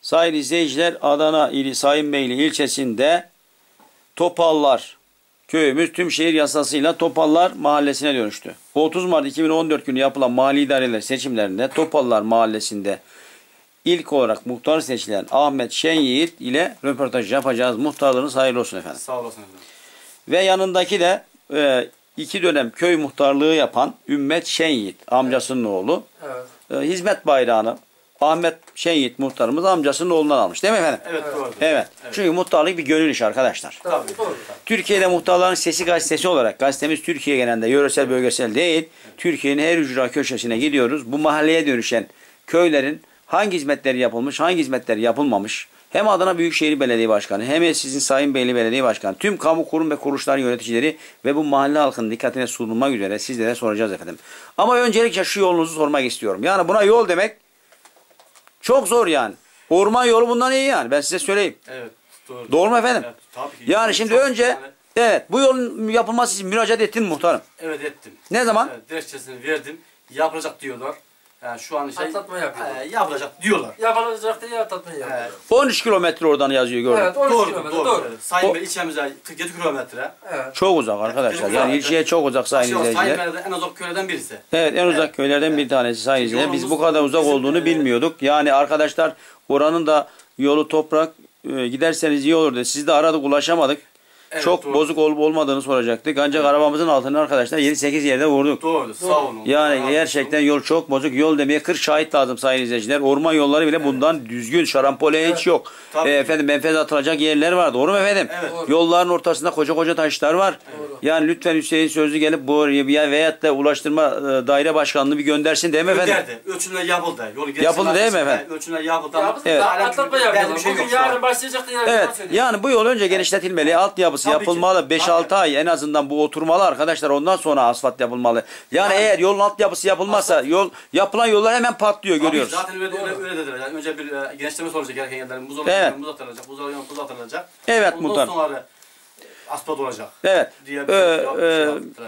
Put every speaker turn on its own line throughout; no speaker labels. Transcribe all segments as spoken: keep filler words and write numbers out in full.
sayın izleyiciler, Adana ili Sayınbeyli ilçesinde Topallar köyümüz tüm şehir yasasıyla Topallar mahallesine dönüştü. otuz Mart iki bin on dört günü yapılan mahalli idareler seçimlerinde Topallar mahallesinde ilk olarak muhtar seçilen Ahmet Şenyiğit ile röportaj yapacağız. Muhtarlığınız hayırlı olsun efendim.
Sağ olasın efendim.
Ve yanındaki de e, iki dönem köy muhtarlığı yapan Ümmet Şenyiğit, amcasının evet. oğlu. Evet. E, hizmet bayrağını Ahmet Şenyiğit muhtarımız amcasının oğlundan almış değil mi efendim?
Evet doğru.
Evet.
evet.
Çünkü muhtarlık bir gönül işi arkadaşlar.
Tabii, doğru.
Türkiye'de Muhtarların Sesi gazetesi olarak gazetemiz Türkiye genelinde yöresel bölgesel değil. Evet. Türkiye'nin her ücra köşesine gidiyoruz. Bu mahalleye dönüşen köylerin hangi hizmetleri yapılmış, hangi hizmetleri yapılmamış. Hem Adana Büyükşehir Belediye Başkanı hem sizin Sayınbeyli Belediye Başkanı, tüm kamu kurum ve kuruluşların yöneticileri ve bu mahalle halkının dikkatine sunulmak üzere sizlere soracağız efendim. Ama öncelikle şu yolunuzu sormak istiyorum. Yani buna yol demek çok zor yani. Orman yolu bundan iyi yani. Ben size söyleyeyim.
Evet. Doğru.
Doğru mu efendim?
Evet, tabii ki.
Yani şimdi önce yani... evet bu yolun yapılması için müracaat ettin mi muhtarım?
Evet ettim.
Ne zaman?
Evet, dilekçesini verdim. Yapılacak diyorlar. Yani şu an şey
atlatma yapıyorlar.
E, yapılacak diyorlar.
Yapılacak diye atlatma yapıyorlar. Evet.
on üç kilometre oradan yazıyor gördüm.
Evet, on üç
doğru,
kilometre
doğru.
doğru.
doğru. Sayın Bey ilçemize kırk yedi kilometre.
Evet. Çok uzak arkadaşlar. Yani ilçeye çok uzak sayın izleyiciler.
Sayın en uzak köylerden birisi.
Evet, en uzak evet. köylerden bir tanesi sayın izleyiciler. Biz bu kadar uzak olduğunu e... bilmiyorduk. Yani arkadaşlar oranın da yolu toprak, e, giderseniz iyi olur dedi. Sizi de aradık, ulaşamadık. Evet, çok doğru. Bozuk olup olmadığını soracaktık. Ancak evet. arabamızın altını arkadaşlar yedi sekiz yerde vurduk.
Doğru, sağ olun.
Yani
doğru.
gerçekten yol çok bozuk. Yol demeye kırk şahit lazım sayın izleyiciler. Orman yolları bile evet. bundan düzgün. Şarampole evet. hiç yok. E, efendim menfez atılacak yerler var. Doğru mu efendim? Evet. Yolların ortasında koca koca taşlar var. Doğru. Yani lütfen Hüseyin Sözlü gelip bu veyahut da Ulaştırma Daire Başkanlığı bir göndersin değil mi efendim?
Gönderdi. Ölçümler yapıldı. Yolu
yapıldı değil mi efendim?
Ölçümler yapıldı.
Evet. Atlatma yapıyorlar. Bugün yarın başlayacaktı.
Evet. Yani bu yol önce genişletilmeli. Altyapısı tabii yapılmalı. beş altı ay en azından bu oturmalı arkadaşlar. Ondan sonra asfalt yapılmalı. Yani eğer yolun altyapısı yapılmazsa asfalt. yol yapılan yollar hemen patlıyor tabii görüyoruz.
Zaten öyle, öyle, öyle dediler. Yani önce bir e, genişleme olacak gereken yerlerin buz olacak, evet. buz atılacak, buz olacak, buz atılacak.
Evet
ondan
muhtar.
sonra asfalt olacak.
Evet.
Diye
ee, e,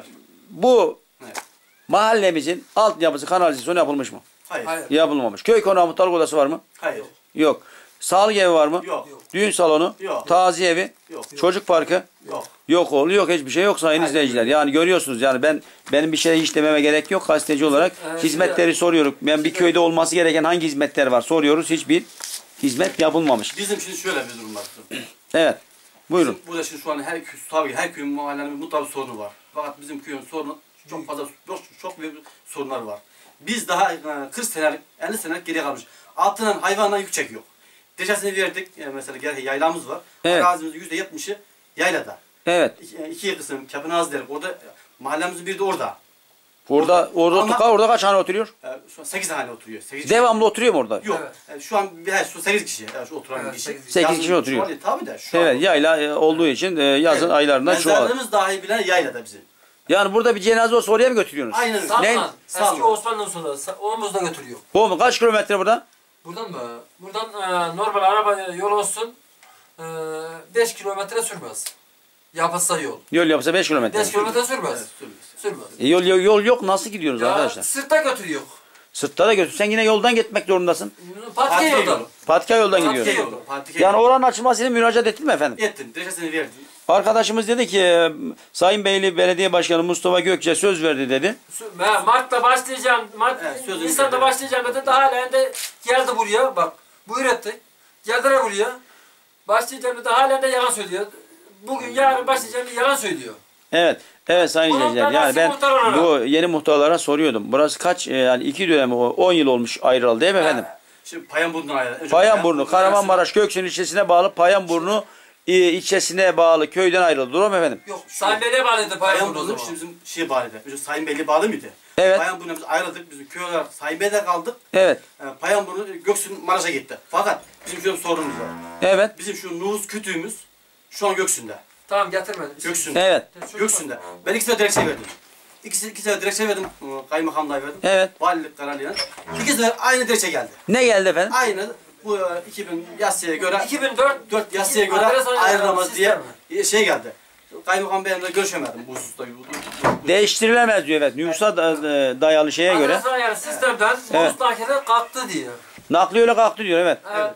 bu evet. mahallemizin altyapısı kanalizasyonu yapılmış mı?
Hayır.
Hayır.
Yapılmamış. Köy konağı muhtarlık odası var mı?
Hayır.
Yok. Sağlık evi var mı?
Yok.
Düğün salonu?
Yok.
Taziye evi?
Yok.
Çocuk parkı?
Yok.
Yok oğlu yok hiçbir şey yok sayın izleyiciler. Yani görüyorsunuz yani ben benim bir şey hiç dememe gerek yok gazeteci olarak. Evet, hizmetleri soruyoruz. Yani bir köyde olması gereken hangi hizmetler var soruyoruz. Hiçbir hizmet yapılmamış.
Bizim şimdi şöyle bir durum var.
Evet. Buyurun.
Bizim burada şimdi şu an her tabii her köyün mahallenin mutlaka bir sorunu var. Fakat bizim köyün sorunu çok fazla çok, çok büyük sorunlar var. Biz daha kırk senelik elli senelik geriye kalmış. Altından hayvandan yük çekiyor. Deşesini verdik. Yani mesela gerçek yaylamız var. Evet. Arazimizin yüzde yetmişi yaylada.
Evet.
İki, iki kısım Kapınaz derim. Orada mahallemizin biri de orada.
Orada orada
Ama,
orada kaç hane oturuyor?
E, şu an sekiz hane oturuyor. sekiz
Devamlı oturuyor mu orada?
Yok. Evet. E, şu an he, şu sekiz kişi. Yani şu oturan evet, kişi.
sekiz kişi oturuyor.
An, tabii de şu
evet,
an
yayla e, olduğu için e, yazın evet. aylarında şu an.
Mezarlığımız dahi bilen yaylada bizim.
Yani burada bir cenaze olsa oraya mı götürüyorsunuz?
Aynen.
Salman. Eski Osmanlı usulü. Omuzda götürüyor.
Bu mu? Kaç kilometre buradan?
Buradan mı? Buradan e, normal araba yol olsun e, beş kilometre sürmez. Yapılsa yol.
Yol yapsa beş kilometre.
beş kilometre sürmez. Evet, sürmez. Sürmez.
E, yol, yol, yol yok nasıl gidiyoruz ya, arkadaşlar?
Sırtta götürüyor.
Sırtta da götür. Sen yine yoldan gitmek zorundasın.
Patika yoldan.
Patika yoldan gidiyoruz. Yani oranın açılmasıyla müracaat ettin mi efendim?
Ettim. Deşesini verdim.
Arkadaşımız dedi ki Sayınbeyli Belediye Başkanı Mustafa Gökçe söz verdi dedi.
Mart'ta başlayacağım. Mart, evet, Nisan'da başlayacağım dedi. Daha halen de geldi buraya. Bak buyur etti. Geldiler buraya. Başlayacağım dedi. Halen de yalan söylüyor. Bugün yarın başlayacağım diye yalan söylüyor. Evet. Evet sayın izleyiciler. Yani ben bu yeni muhtarlara soruyordum. Burası kaç yani iki dönem on yıl olmuş ayrılalı değil mi efendim?
Şimdi Payanburnu ayrıldı.
Payanburnu, Kahramanmaraş Göksun ilçesine bağlı Payanburnu ilçesine bağlı köyden ayrıldı. Doğru mu efendim?
Yok. Sayınbeyli'ye bağlıydı Payanburnu.
Şimdi bizim şey bağlıydı. Bizim Sayınbeyli bağlı mıydı?
Evet.
Payanburnu'na biz ayrıldık. Bizim köy olarak Sayınbeyli'de kaldık.
Evet.
Yani Payanburnu Göksun Maraş'a gitti. Fakat bizim şöyle bir sorunumuz var.
Evet.
Bizim şu nüfus kütüğümüz şu an Göksun'da.
Tamam getirme.
Göksun'da. Evet.
Göksun'da. Ben iki sefer dilekçe verdim. İki, iki sefer dilekçe verdim. Kaymakamlığa verdim.
Evet.
Valilik kararıyla. İki sefer aynı dilekçe geldi.
Ne geldi efendim?
Aynı. Bu iki bin yasaya göre
iki bin dört
dört yasaya göre ayrılamaz diye şey geldi. Kaymakam Bey'imle görüşemedim bu hususta.
Değiştirilemez diyor evet. Nüfusa dayalı şeye göre.
Adres ayarı sistemden evet. Nüfus nakili kalktı diyor.
Nakli öyle kalktı diyor evet.
Evet.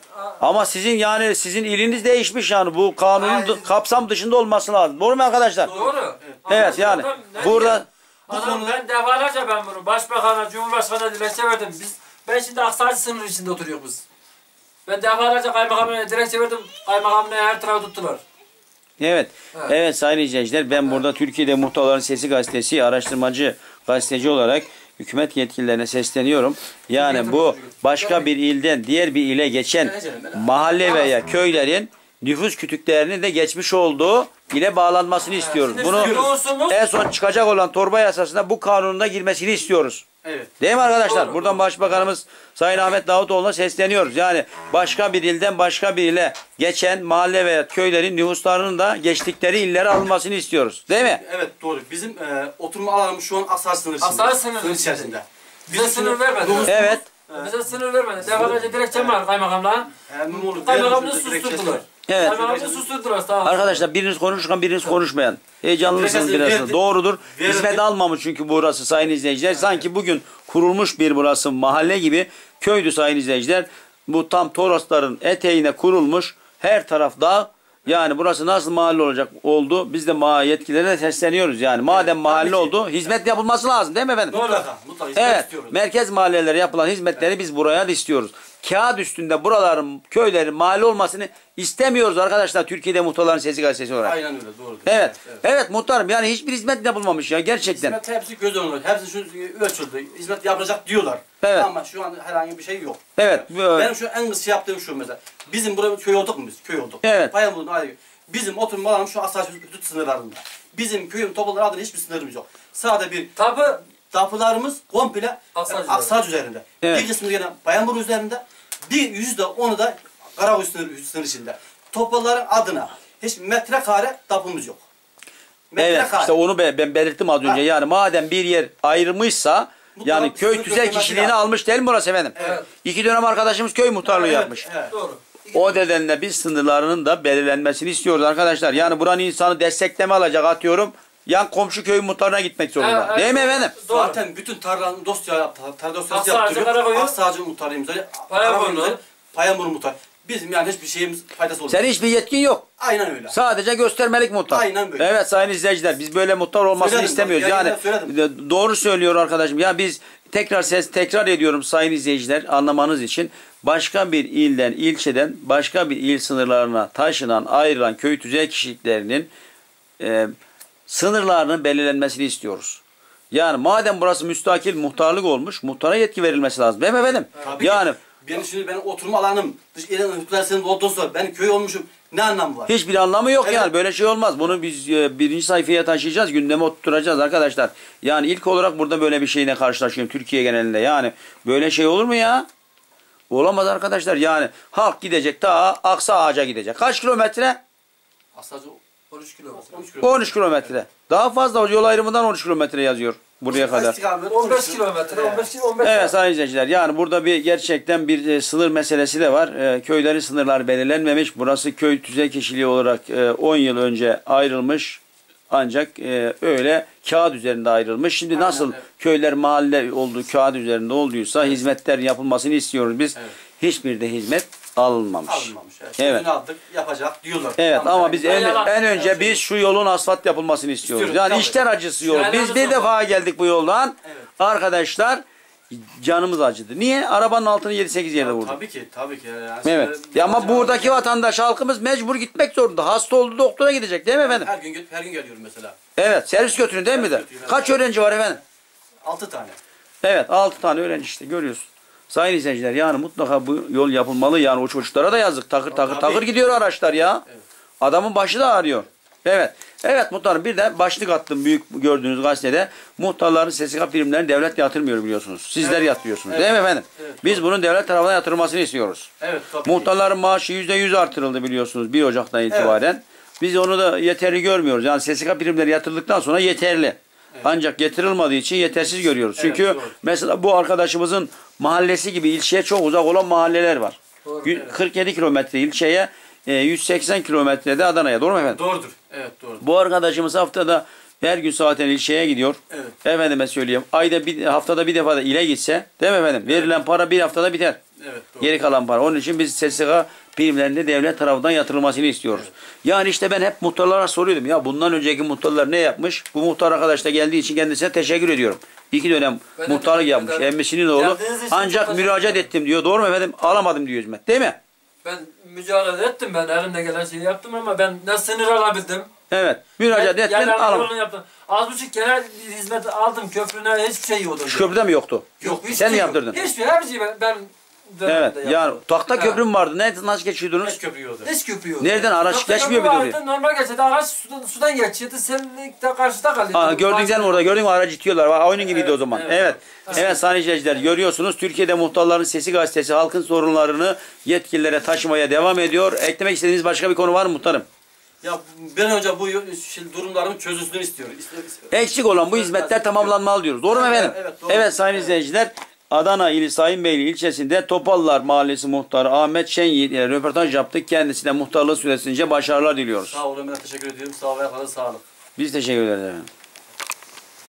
Ama sizin yani sizin iliniz değişmiş yani bu kanunun
Aynen.
kapsam dışında olması lazım. Doğru mu arkadaşlar?
Doğru.
Evet
Ama
yani
adam ne
burada
diyor? Adam ben defalarca ben bunu başbakana, cumhurbaşkanına dilekçe verdim. Biz ben şimdi Aksaçı sınırı içinde oturuyoruz biz. Ben defalarca kaymakamına dilekçe verdim. Kaymakamına her tarafı tuttular.
evet.
Evet.
Evet sayın izleyiciler ben burada Türkiye'de Muhtarların Sesi gazetesi araştırmacı gazeteci olarak hükümet yetkililerine sesleniyorum. Yani bu başka bir ilden diğer bir ile geçen mahalle veya köylerin nüfus kütüklerinin de geçmiş olduğu ile bağlanmasını istiyoruz.
Şimdi
Bunu
nüfusumuz-
en son çıkacak olan torba yasasında bu kanununa girmesini istiyoruz.
Evet.
Değil mi arkadaşlar?
Doğru,
Buradan
doğru.
Başbakanımız Sayın Ahmet Davutoğlu'na sesleniyoruz. Yani başka bir ilden başka bir ile geçen mahalle veya köylerin nüfuslarının da geçtikleri illere alınmasını istiyoruz. Değil mi?
Evet doğru. Bizim e, oturma alanımız şu an Aksaç sınırı içinde.
Aksaç sınırı
Sınır
içinde.
içerisinde.
Bize sınır vermedi.
Evet.
Bize sınır vermedi. Defalarca dilekçem var kaymakamla.
Emin
Kaymakamını
olun.
susturdular.
Evet.
Kaymakamını susturdular. Sağ olun.
Arkadaşlar biriniz konuşurken biriniz konuşmayan. Heyecanlısınız
Verdi.
biraz. Doğrudur.
Verdi.
Hizmet almamış çünkü burası sayın izleyiciler. Sanki bugün kurulmuş bir burası mahalle gibi köydü sayın izleyiciler. Bu tam Torosların eteğine kurulmuş. Her taraf dağ. Yani burası nasıl mahalle olacak oldu. Biz de ma yetkililere sesleniyoruz yani. Madem mahalle
ki.
oldu hizmet yapılması lazım değil mi efendim?
Mutlaka. Mutlaka. hizmet
Evet,
istiyoruz.
merkez mahallelere yapılan hizmetleri biz buraya da istiyoruz. Kağıt üstünde buraların, köylerin mahalle olmasını istemiyoruz arkadaşlar Türkiye'de Muhtarların Sesi gazetesi olarak.
Aynen öyle. Doğrudur.
Evet, evet muhtarım yani hiçbir hizmet yapılmamış ya gerçekten.
Hizmet hepsi göz önünde. Hepsi şu ölçüldü. Hizmet yapılacak diyorlar.
Evet.
Ama şu an herhangi bir şey yok.
Evet, bu-
Benim şu en kısa yaptığım şu mesela. Bizim burada köy olduk mu biz? Köy olduk.
Evet.
Bayamur'un ayrı. Bizim oturma alanımız şu Aksaç hudut sınırlarında. Bizim köyün topluluğu adına hiçbir sınırımız yok. Sadece bir
Tabi
tapularımız komple
Aksaç
Aksaç üzerinde.
Evet.
Bir kısmı gene Bayambur üzerinde. Bir yüzde onu da Karakuş sınır, sınır içinde. Topluların adına hiç metrekare tapumuz yok.
evet
Metrekare.
işte onu be- ben belirttim az önce.
Ha.
Yani madem bir yer ayrılmışsa
Mutlaka
yani
bir
köy
sınır
tüzel
göstermesi
kişiliğini
lazım.
almış değil mi burası efendim?
Evet.
İki dönem arkadaşımız köy muhtarlığı
Evet,
yapmış.
evet.
doğru.
O nedenle biz sınırlarının da belirlenmesini istiyoruz arkadaşlar. Yani buranın insanı destekleme alacak atıyorum. Yan komşu köy muhtarına gitmek zorunda.
Evet, evet.
Değil mi efendim?
Doğru.
Zaten bütün tarlanın dosya yaptı. Tarla dosyası
Aksaç'ı,
yaptırıyor.
Karakoy'u.
Aksağacı muhtarıyım.
Payaburnu.
Payamur muhtar. Bizim yani hiçbir şeyimiz faydası olmuyor.
Senin hiçbir yetkin yok.
Aynen öyle.
Sadece göstermelik muhtar.
Aynen böyle.
Evet sayın izleyiciler biz böyle muhtar olmasını
Söyledim,
istemiyoruz.
bak,
Yani
yayında söyledim.
de- doğru söylüyor arkadaşım. Ya biz tekrar ses tekrar ediyorum sayın izleyiciler anlamanız için. Başka bir ilden, ilçeden başka bir il sınırlarına taşınan, ayrılan köy tüzel kişiliklerinin e, sınırlarının belirlenmesini istiyoruz. Yani madem burası müstakil muhtarlık olmuş, muhtara yetki verilmesi lazım. Değil mi efendim?
Tabii
yani
ki. Benim şimdi benim oturma alanım, dış ilin hükümler senin olduğu sonra ben köy olmuşum. Ne anlamı var?
hiçbir anlamı yok
Evet.
yani. Böyle şey olmaz. Bunu biz e, birinci sayfaya taşıyacağız. Gündeme oturtacağız arkadaşlar. Yani ilk olarak burada böyle bir şeyle karşılaşıyorum Türkiye genelinde. Yani böyle şey olur mu ya? Olamaz arkadaşlar. Yani halk gidecek ta Aksa Ağaca gidecek. Kaç kilometre?
Aslında
on üç kilometre.
on üç kilometre.
on üç kilometre. Daha fazla yol ayrımından on üç kilometre yazıyor buraya kadar.
İstikamet
on beş
on üç
kilometre. on beş on beş.
Evet sayın izleyiciler yani burada bir gerçekten bir e, sınır meselesi de var. E, köylerin sınırları belirlenmemiş. Burası köy tüzel kişiliği olarak e, on yıl önce ayrılmış. Ancak e, öyle kağıt üzerinde ayrılmış. Şimdi
Aynen,
nasıl
evet.
köyler mahalle olduğu kağıt üzerinde olduysa hizmetler yapılmasını istiyoruz biz.
Evet.
Hiçbir de hizmet alınmamış.
alınmamış. Evet.
Evet.
Sözünü aldık, yapacak diyorlar.
Evet
Tamam,
ama biz en,
Yalan.
en önce biz şu yolun asfalt yapılmasını istiyoruz.
İstiyoruz,
Yani
tabii.
içler acısı yol.
Yani
Biz
acısı
bir
yok.
defa geldik bu yoldan.
Evet.
Arkadaşlar canımız acıdı. Niye? Arabanın altını yedi sekiz yerde vurduk.
Tabii ki, tabii ki. Yani
Evet.
şimdi-
Ya ama buradaki vatandaş halkımız mecbur gitmek zorunda. Hasta oldu doktora gidecek değil mi efendim?
Her gün her gün geliyorum mesela.
Evet. Servis götürün değil mi de?
Servis götürüyor,
Kaç öğrenci var efendim?
Altı tane.
Evet. altı tane öğrenci işte görüyorsun. Sayın izleyiciler yani mutlaka bu yol yapılmalı. Yani o çocuklara da yazık. Takır takır
Tabii.
takır gidiyor araçlar ya.
Evet.
Adamın başı da ağrıyor. Evet. Evet muhtarım bir de başlık attım büyük gördüğünüz gazetede. Muhtarların S S K primlerini devlet yatırmıyor biliyorsunuz. Sizler
Evet.
yatırıyorsunuz
Evet.
değil mi efendim?
Evet,
Biz
doğru.
bunun devlet tarafından yatırılmasını istiyoruz.
Evet, tabii ki.
Muhtarların maaşı yüzde yüz artırıldı biliyorsunuz bir Ocak'tan itibaren. Biz onu da yeterli görmüyoruz. Yani S S K primleri yatırıldıktan sonra yeterli. Ancak yatırılmadığı için yetersiz görüyoruz.
Evet,
Çünkü
doğru.
mesela bu arkadaşımızın mahallesi gibi ilçeye çok uzak olan mahalleler var.
Doğru,
Yü- kırk yedi kilometre ilçeye, e, yüz seksen kilometrede Adana'ya. Doğru mu efendim?
Doğrudur. Evet, doğrudur.
Bu arkadaşımız haftada her gün zaten ilçeye gidiyor.
Evet.
Efendime söyleyeyim. Ayda bir haftada bir defa da ile gitse, değil mi efendim? Verilen para bir haftada biter.
Evet, doğru.
Geri kalan para. Onun için biz S S K primlerinde devlet tarafından yatırılmasını istiyoruz. Evet. Yani işte ben hep muhtarlara soruyordum. Ya bundan önceki muhtarlar ne yapmış? Bu muhtar arkadaş da geldiği için kendisine teşekkür ediyorum. İki dönem ben muhtarlık yapmış. Emmesinin oğlu. Ancak müracaat ettim diyor. Doğru mu efendim? Alamadım diyor hizmet. Değil mi?
Ben mücadele ettim. Ben elimde gelen şeyi yaptım ama ben ne sınır alabildim.
Evet. Müracaat ettin, alamadım.
Az buçuk genel hizmet aldım. Köprüne hiçbir şey yoktu.
Şu köprüde mi yoktu?
Yok. Hiçbir
Sen
şey
mi yaptırdın?
Hiçbir her şeyi ben, ben
evet. Yani tahta köprüm vardı. Ne, nasıl geçiyordunuz?
Hiç köprü yoktu.
Hiç köprü yoktu.
Nereden araç tahta geçmiyor muydu oraya? Normal
geçiyordu. Araç sudan, sudan geçiyordu. Sen de karşıda kalıyordun.
Aa, gördün sen mi orada? Gördün mü aracı itiyorlar. Bak, oyunun gibiydi evet, o zaman. Evet. Evet, evet. evet sayın izleyiciler görüyorsunuz. Türkiye'de Muhtarların Sesi gazetesi halkın sorunlarını yetkililere taşımaya devam ediyor. Eklemek istediğiniz başka bir konu var mı muhtarım?
Ya ben önce bu şey, durumlarımın çözülsün istiyorum.
Eksik olan bu hizmetler tamamlanmalı diyoruz. Doğru mu efendim? Evet, evet, doğru. Evet sayın izleyiciler. Adana ili Sayınbeyli ilçesinde Topallar Mahallesi muhtarı Ahmet Şenyiğit ile röportaj yaptık. Kendisine muhtarlığı süresince başarılar diliyoruz.
Sağ olun, ben teşekkür ediyorum. Sağ olun, sağ olun.
Biz teşekkür ederiz efendim.